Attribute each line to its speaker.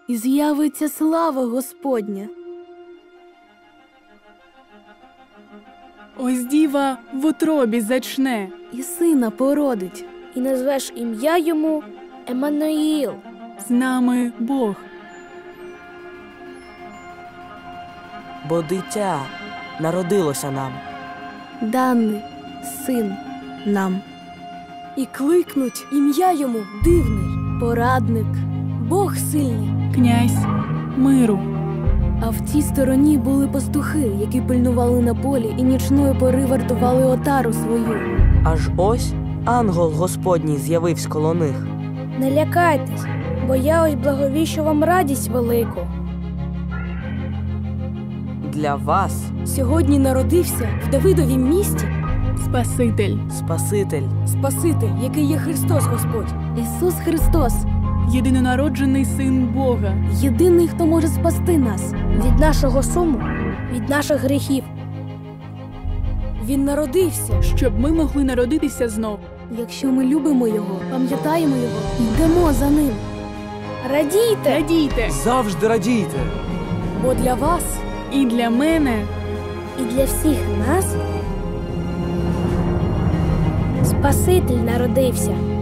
Speaker 1: і з'явиться слава Господня.
Speaker 2: Ось діва в утробі зачне,
Speaker 1: І сина породить.
Speaker 3: І назвеш ім'я йому Еммануїл.
Speaker 2: з нами Бог.
Speaker 4: Бо дитя народилося нам.
Speaker 1: Даний син нам.
Speaker 3: І кликнуть ім'я йому Дивний,
Speaker 1: Порадник.
Speaker 3: Бог сильний.
Speaker 2: Князь миру.
Speaker 1: А в тій стороні були пастухи, які пильнували на полі і нічної пори вартували отару свою.
Speaker 4: Аж ось ангел Господній з'явився коло них.
Speaker 3: Не лякайтесь, бо я ось благовіщу вам радість велику.
Speaker 4: Для вас
Speaker 3: Сьогодні народився в Давидовім місті
Speaker 2: Спаситель.
Speaker 4: Спаситель,
Speaker 3: Спаситель, який є Христос Господь.
Speaker 1: Ісус Христос –
Speaker 2: Єдинонароджений Син Бога.
Speaker 1: єдиний, хто може спасти нас.
Speaker 3: Від нашого суму, від наших гріхів. Він народився.
Speaker 2: Щоб ми могли народитися знов.
Speaker 1: Якщо ми любимо Його, пам'ятаємо Його, йдемо за Ним.
Speaker 3: Радійте,
Speaker 2: Радійте!
Speaker 4: завжди радійте.
Speaker 3: бо для вас
Speaker 2: І для мене
Speaker 3: і для всіх нас Спаситель народився.